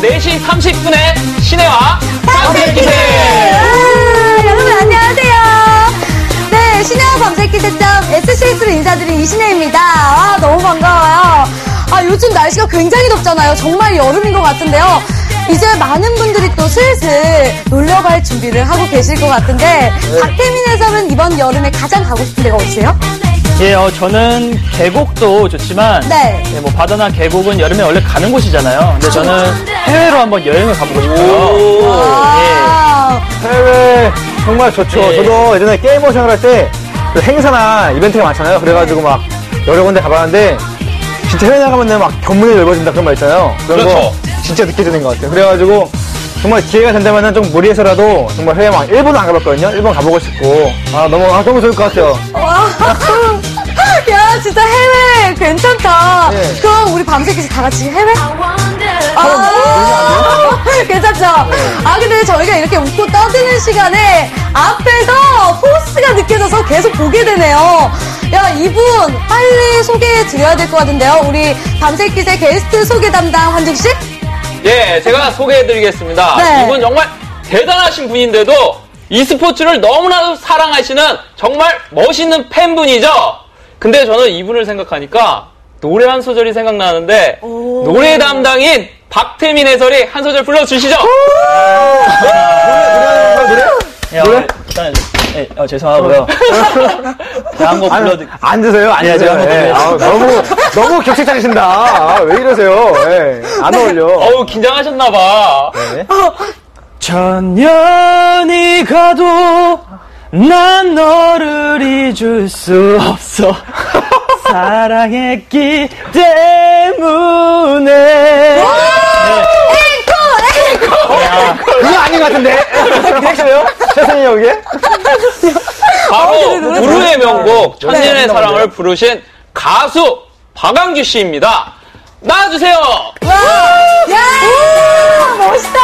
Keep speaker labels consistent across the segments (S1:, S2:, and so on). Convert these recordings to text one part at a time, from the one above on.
S1: 4시 30분에 신혜와 밤새기세!
S2: 여러분 안녕하세요. 네, 신혜와 밤새기세.scx로 인사드린 이신혜입니다. 너무 반가워요. 요즘 날씨가 굉장히 덥잖아요. 정말 여름인 것 같은데요. 이제 많은 분들이 또 슬슬 놀러갈 준비를 하고 계실 것 같은데 박태민 해설은 이번 여름에 가장 가고 싶은 데가 어디세요?
S3: 예, 저는 계곡도 좋지만 뭐 바다나 계곡은 여름에 원래 가는 곳이잖아요. 근데 저는 해외로 한번 여행을 가보고 싶어요.
S4: 해외 정말 좋죠. 저도 예전에 게임머신을 할 때 그 행사나 이벤트가 많잖아요. 그래가지고 막 여러 군데 가봤는데 진짜 해외 나가면 막 견문이 넓어진다 그런 말 있잖아요. 그런 거 진짜 느껴지는 것 같아요. 그래가지고 정말 기회가 된다면 좀 무리해서라도 정말 해외 막 일본 안 가봤거든요. 일본 가보고 싶고 너무 좋을 것 같아요.
S2: 야, 진짜 해외 괜찮다. 그럼 우리 밤새기세 다 같이 해외? 괜찮죠? 근데 저희가 이렇게 웃고 떠드는 시간에 앞에서 포스가 느껴져서 계속 보게 되네요. 야, 이분 빨리 소개해 드려야 될 것 같은데요. 우리 밤새기세 게스트 소개 담당 환중씨?
S1: 예, 제가 소개해드리겠습니다.
S2: 네.
S1: 이분 정말 대단하신 분인데도 e스포츠를 너무나도 사랑하시는 정말 멋있는 팬분이죠. 근데 저는 이분을 생각하니까 노래 한 소절이 생각나는데 노래 담당인 박태민 해설이 한 소절 불러주시죠.
S3: 노래? 일단 죄송하고요. 한곡 불러드릴게요.
S4: 앉으세요. 앉으세요. 너무 격식 차리신다. 왜 이러세요? 안 어울려.
S1: 긴장하셨나봐.
S3: 천년이 가도 난 너를 잊을 수 없어. 사랑했기 때문에.
S4: 그거 아닌 것 같은데? 디렉션이요? 최선희 여기에?
S1: 바로 부르의 명곡 천년의 사랑을 부르신 가수 박완규 씨입니다. 나와주세요.
S2: 야, 멋있다.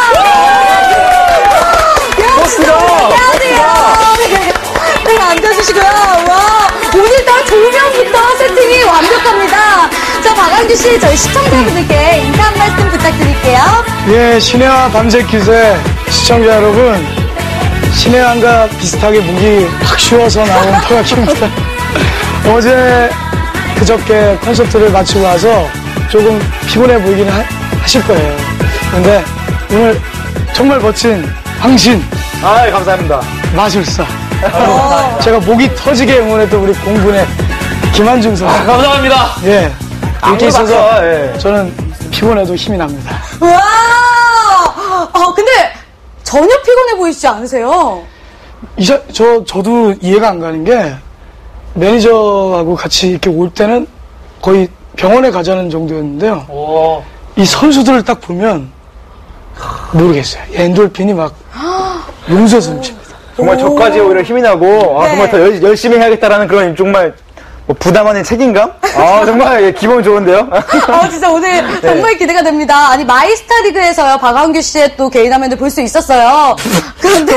S2: 안녕하세요. 네, 앉아주시고요. 와, 오늘따라 조명부터 세팅이 완벽합니다. 자, 박완규 씨, 저희 시청자분들께 인사 한 말씀 부탁드릴게요.
S5: 예, 신혜와 밤새기세 시청자 여러분, 신혜왕과 비슷하게 목이 확 쉬어서 나온 박완규입니다. 어제 그저께 콘서트를 마치고 와서 조금 피곤해 보이긴 하실 거예요. 그런데 오늘 정말 멋진 황신,
S4: 감사합니다.
S5: 마술사, 제가 목이 터지게 응원했던 우리 공분의 김한중 선수.
S1: 감사합니다.
S5: 예, 이렇게 있어서
S4: 저는
S5: 피곤해도 힘이 납니다.
S2: 와! 근데 전혀 피곤해 보이시지 않으세요?
S5: 저도 이해가 안 가는 게 매니저하고 같이 이렇게 올 때는 거의 병원에 가자는 정도였는데요. 이 선수들을 딱 보면 모르겠어요. 엔돌핀이 막 용서서 넘칩니다.
S4: 정말 저까지 오히려 힘이 나고 정말 더 열심히 해야겠다라는 그런 정말 부담 아닌 책임감? 정말 기분 좋은데요?
S2: 진짜 오늘 정말 기대가 됩니다. 아니, 마이스타 리그에서요, 박완규 씨의 또 개인 화면을 볼 수 있었어요. 그런데.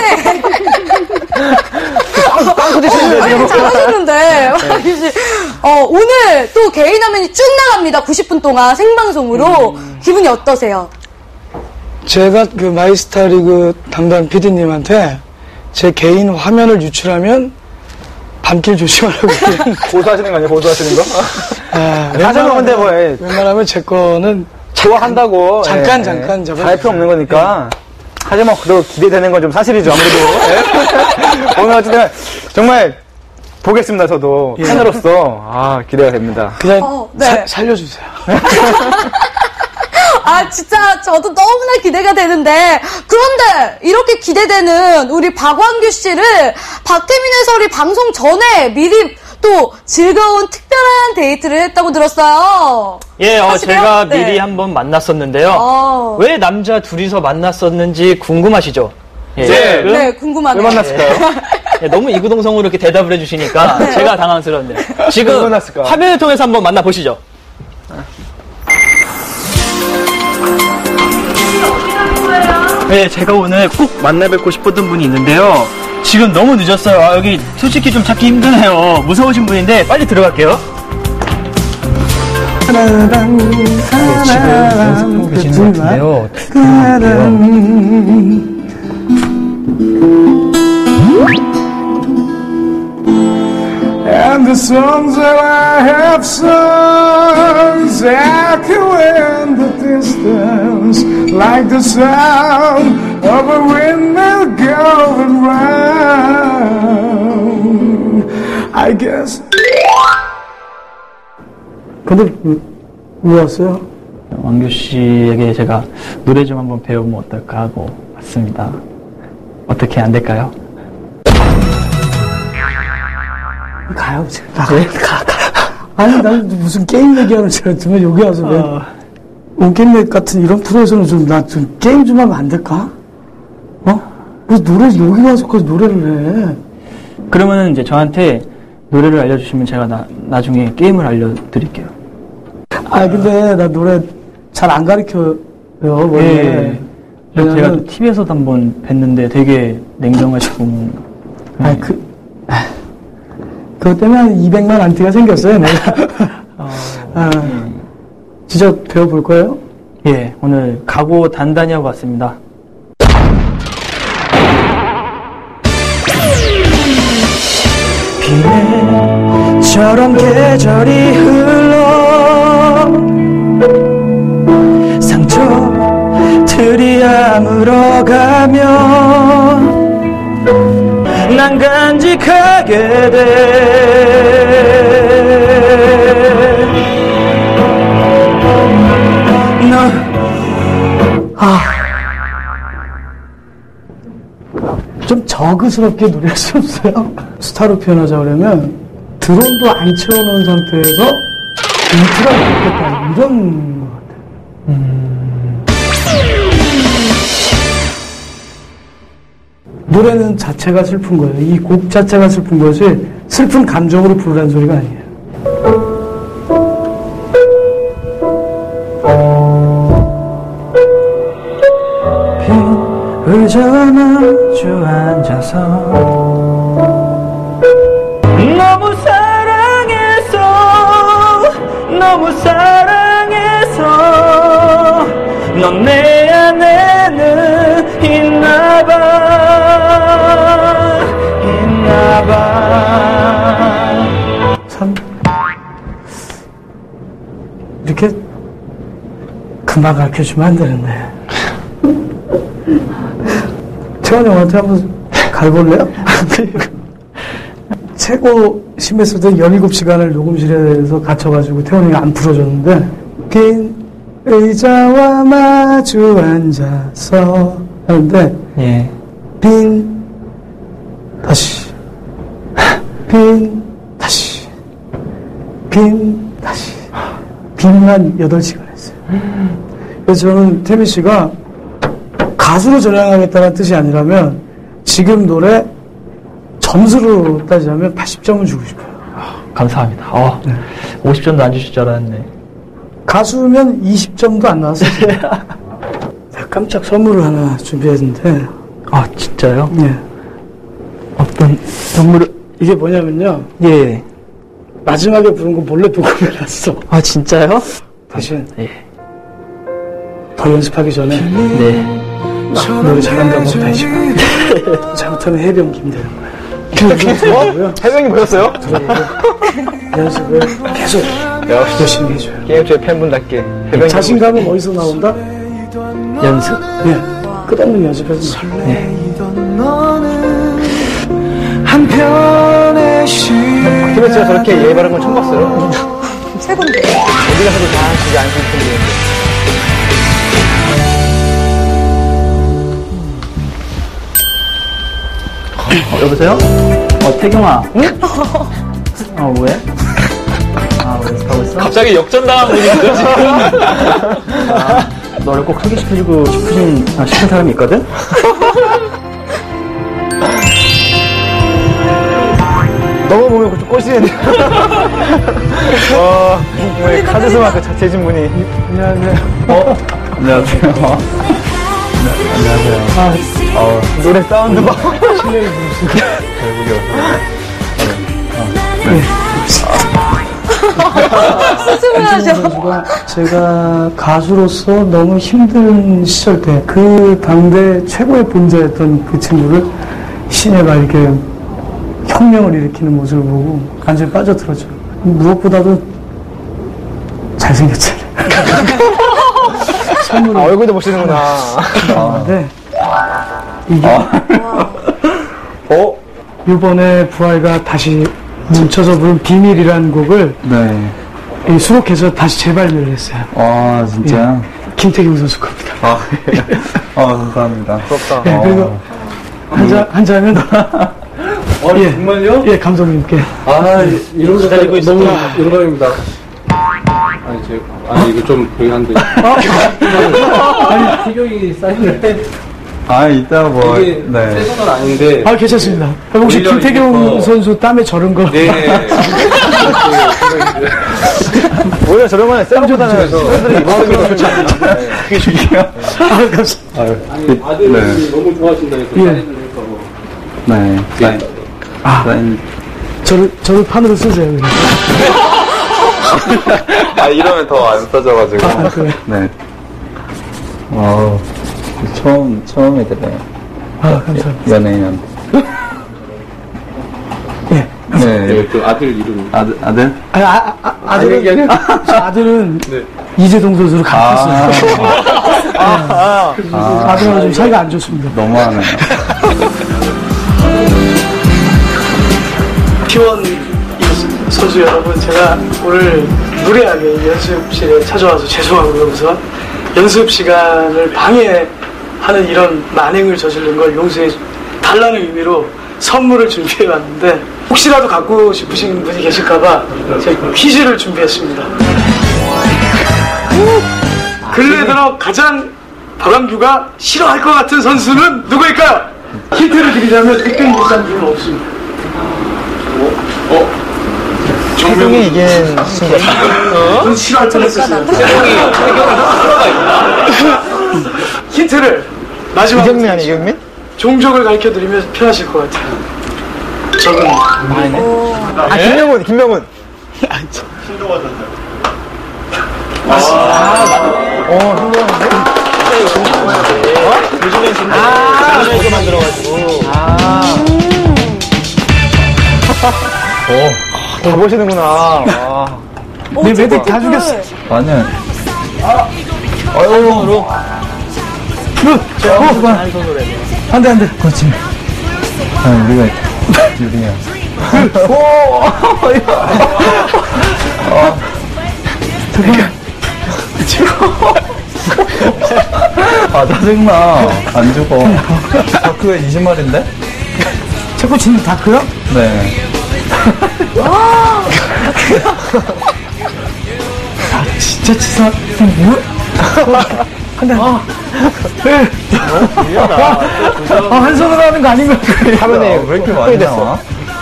S4: 빵 터지시는데, 지금.
S2: 잘하셨는데, 박완규 씨. 오늘 또 개인 화면이 쭉 나갑니다. 90분 동안 생방송으로. 기분이 어떠세요?
S5: 제가 그 마이스타 리그 담당 PD님한테 제 개인 화면을 유출하면 밤길 조심하라고.
S4: 고소하시는 거 아니에요? 고소하시는 거? 하자면 근데
S5: 웬만하면 제 거는
S4: 좋아한다고.
S5: 잠깐 잡아주세요.
S4: 다 할 필요 없는 거니까. 하지만 그래도 기대되는 건 좀 사실이죠, 아무래도. 오늘 어쨌든 정말 보겠습니다, 저도. 팬으로서. 기대가 됩니다.
S5: 그냥 살려주세요.
S2: 진짜 저도 너무나 기대가 되는데, 그런데 이렇게 기대되는 우리 박완규 씨를 박태민 해설이 방송 전에 미리 또 즐거운 특별한 데이트를 했다고 들었어요.
S3: 예, 제가 미리 한번 만났었는데요. 왜 남자 둘이서 만났었는지 궁금하시죠?
S2: 네, 궁금하네요.
S4: 왜 만났을까요?
S3: 너무 이구동성으로 이렇게 대답을 해주시니까 제가 당황스러운데. 지금 화면을 통해서 한번 만나보시죠. 네, 제가 오늘 꼭 만나 뵙고 싶었던 분이 있는데요. 지금 너무 늦었어요. 여기 솔직히 좀 찾기 힘드네요. 무서우신 분인데 빨리 들어갈게요. 집을 연습하고 계시는 것 같은데요. 어떻게 해요?
S5: And the songs that I have sung echo in the distance, like the sound of a windmill going round. I guess. 근데 왜 왔어요?
S3: 왕규 씨에게 제가 노래 좀 한번 배우면 어떨까 하고 왔습니다. 어떻게 안 될까요?
S5: 가요, 지금. 가. 아니, 난 무슨 게임 얘기하는 줄 알았지만, 여기 와서 왜, 온게임넷 같은 이런 프로에서는 나 좀 게임 좀 하면 안 될까? 왜 노래, 여기 와서까지 노래를 해?
S3: 그러면은 이제 저한테 노래를 알려주시면 제가 나중에 게임을 알려드릴게요.
S5: 근데 나 노래 잘 안 가르쳐요, 원래.
S3: 예. 제가 TV에서도 한번 뵀는데 되게 냉정하시고.
S5: 그것 때문에 한 200만 안티가 생겼어요, 내가. 진짜 배워볼 거예요?
S3: 예, 오늘 각오 단단히 하고 왔습니다.
S5: 비매처럼 계절이 흘러 상처들이 아물어가면 난 간직하게 좀 저그스럽게 노래할 수 없어요? 스타로 표현하자 그러면 드론도 안 채워놓은 상태에서 인트가 있겠다 이런 것 같아요. 노래는 자체가 슬픈 거예요. 이 곡 자체가 슬픈 것이 슬픈 감정으로 부르라는 소리가 아니에요. 빈 의자와 마주 앉아서 너무 사랑해서 넌 내 안에는 있나봐 참 이렇게 금방 가르쳐주면 안 되는데 태원 형한테 한번 가볼래요? 최고 심했을 때 17시간을 녹음실에서 갇혀가지고 태원 형이 안 풀어줬는데 긴 의자와 마주 앉아서 하는데
S3: 예.
S5: 빈 다시 빈만 8시간 했어요. 그래서 저는 태민 씨가 가수로 전향하겠다는 뜻이 아니라면 지금 노래 점수로 따지자면 80점은 주고 싶어요.
S3: 감사합니다. 네. 50점도 안 주실 줄 알았네.
S5: 가수면 20점도 안 나왔어요. 깜짝 선물을 하나 준비했는데.
S3: 아, 진짜요?
S5: 네.
S3: 어떤 선물을?
S5: 이게 뭐냐면요.
S3: 예.
S5: 마지막에 부른 거 몰래 녹음해놨어.
S3: 아, 진짜요?
S5: 대신
S3: 예.
S5: 더 연습하기 전에
S3: 네.
S5: 노래 잘한다고 다시 잘못하면 해병김 되는 거야.
S4: 해병이 뭐였어요?
S5: 연습을 계속 열심히 해줘요.
S4: 게임쇼의 팬분답게 해병이
S5: 자신감은 어디서 나온다?
S3: 연습.
S5: 네. 끝없는 연습해서
S3: 네.
S4: 김혜 씨가 저렇게 예의 바른 건 처음 봤어요.
S2: 최고인데.
S4: 어디 가서도 다 하시지 않으실 텐데.
S3: 여보세요? 태경아. 응? 왜? 연습하고 있어?
S1: 갑자기 역전당한 분이죠, 지금.
S3: 너를 꼭 소개시켜주고 싶은 사람이 있거든?
S4: 너무 보면 좀 꼴찌는데. 오늘 카드스마크 재진 분이.
S5: 안녕하세요.
S3: 안녕하세요. 안녕하세요.
S4: 노래 사운드 봐.
S5: 실례해 주시고.
S2: 수습을 하죠.
S5: 선수가 제가 가수로서 너무 힘든 시절 때 그 당대 최고의 본자였던 그 친구를 신예가 이렇게 혁명을 일으키는 모습을 보고 완전히 빠져들었죠. 무엇보다도 잘생겼잖아요. 선물을
S4: 얼굴도 보시는구나.
S5: 네. 이게 이번에 부활가 다시 뭉쳐서 부른 비밀이라는 곡을
S6: 네.
S5: 수록해서 다시 재발매를 했어요.
S6: 아, 진짜?
S5: 예. 김태경 선수 겁니다.
S6: 아, 감사합니다.
S4: 부럽다.
S5: 예, 그리고 한 잔은 예, 정말요? 예, 감독님께.
S7: 이런 거 기다리고 너무 영광입니다. 이거 좀 불리한데. 아니, 태경이 사인을 해.
S6: 이따 뭐,
S7: 이게
S6: 네.
S7: 새 건 아닌데.
S5: 괜찮습니다. 혹시
S7: 오히려
S5: 김태경
S7: 이게
S5: 선수 땀에 절은 거?
S7: 네.
S4: 오히려 저런 거는 쌤보다는 팬들이 입어서 좋지 않나.
S6: 그게 중요해요.
S5: 감사합니다.
S7: 아들이
S6: 네.
S7: 너무 좋아하신다 해서
S5: 예.
S7: 사인을 했다고.
S6: 네. 사인.
S5: 저를 판으로 쓰세요. 그냥.
S6: 이러면 더 안 써져가지고.
S5: 그래.
S6: 네. 처음 들어요.
S5: 감사합니다.
S6: 연예인한테.
S5: 예.
S6: 네.
S7: 그 아들 이름.
S6: 아들?
S5: 아들은 이재동 선수로 갚았어요. 아들하고 좀 사이가 안 좋습니다.
S6: 너무하네요.
S5: T1 선수 여러분, 제가 오늘 무례하게 연습실에 찾아와서 죄송하고요. 우선 연습 시간을 방해하는 이런 만행을 저지른 걸 용서해 달라는 의미로 선물을 준비해 왔는데, 혹시라도 갖고 싶으신 분이 계실까봐 제가 퀴즈를 준비했습니다. 근래 들어 가장 박완규가 싫어할 것 같은 선수는 누구일까요? 힌트를 드리자면 특별히 비싼 분은 없습니다.
S4: 태경이 이긴 친구가
S5: 넌 싫어할 뻔했었어요. 힌트를 마지막으로
S4: 이경민 아니 이경민?
S5: 종족을 가르쳐드리면 편하실 것 같아요. 저는
S4: 김명훈.
S1: 요즘엔 진짜 만들어가지고.
S4: 다 보시는구나.
S5: 내 매듭 다 죽였어.
S6: 아니요.
S1: 손으로.
S5: 한 손으로 해. 안 돼. 그렇지.
S6: 우리가 유리야. 짜증나. 안 죽어. 다크가 20마리인데?
S5: 자꾸 치는 다크요?
S6: 네.
S5: 진짜 치사. 한 손으로 하는 거 아닌가?
S4: 화면에
S6: 왜 이렇게 많이 나와?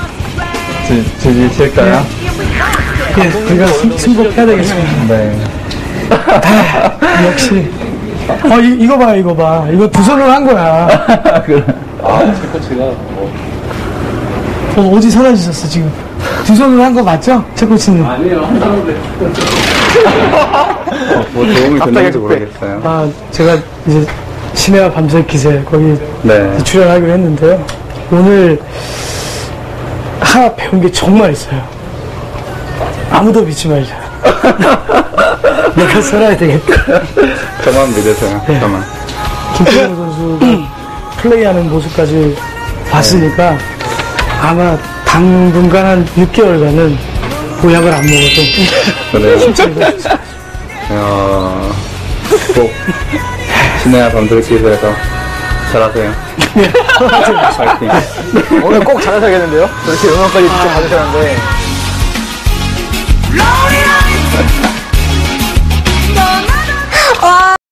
S6: 칠까요?
S5: 예, 우리가 승복해야 되겠습니다.
S6: 네.
S5: 역시. 이거 봐. 이거 두 손으로 한 거야.
S6: 그래.
S7: 제가
S5: 어디 사라지셨어, 지금? 두 손으로 한 거 맞죠? 제 코치님.
S7: 아니에요. 한 사람인데.
S6: 뭐 도움이 됐는지 모르겠어요.
S5: 제가 이제 신혜와 밤새 기세 거기
S6: 네.
S5: 출연하기로 했는데요. 오늘 하나 배운 게 정말 있어요. 아무도 믿지 말자. 내가 살아야 되겠다.
S6: 저만 믿으세요.
S5: 네.
S6: 저만.
S5: 김태경 선수가 플레이하는 모습까지 봤으니까 아마 당분간 한 6개월간은 보약을 안 먹어도
S6: 그래요? 꼭 신혜와 밤들기에서 잘하세요. 파이팅.
S4: 오늘 꼭 잘하셔야겠는데요? 저렇게 음악까지 직접 받으셨는데.